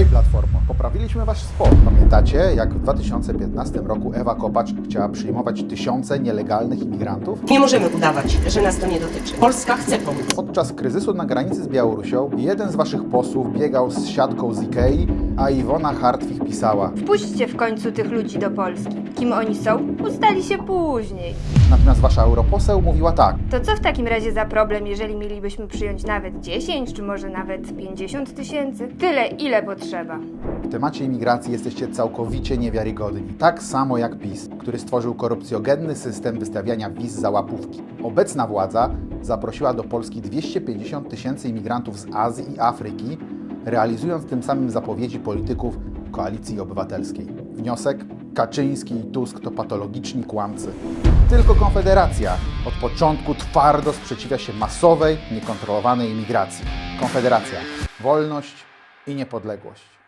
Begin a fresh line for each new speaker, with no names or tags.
Hej Platformo, poprawiliśmy wasz sport. Pamiętacie, jak w 2015 roku Ewa Kopacz chciała przyjmować tysiące nielegalnych imigrantów?
Nie możemy udawać, że nas to nie dotyczy. Polska chce pomóc.
Podczas kryzysu na granicy z Białorusią jeden z waszych posłów biegał z siatką z Ikei, a Iwona Hartwich pisała:
Wpuśćcie w końcu tych ludzi do Polski. Kim oni są? Ustali się później.
Natomiast wasza europoseł mówiła tak:
To co w takim razie za problem, jeżeli mielibyśmy przyjąć nawet 10, czy może nawet 50 tysięcy? Tyle, ile potrzeba.
w temacie imigracji jesteście całkowicie niewiarygodni. Tak samo jak PiS, który stworzył korupcjogenny system wystawiania wiz za łapówki. Obecna władza zaprosiła do Polski 250 tysięcy imigrantów z Azji i Afryki, realizując tym samym zapowiedzi polityków Koalicji Obywatelskiej. Wniosek? Kaczyński i Tusk to patologiczni kłamcy. Tylko Konfederacja od początku twardo sprzeciwia się masowej, niekontrolowanej imigracji. Konfederacja. Wolność i niepodległość.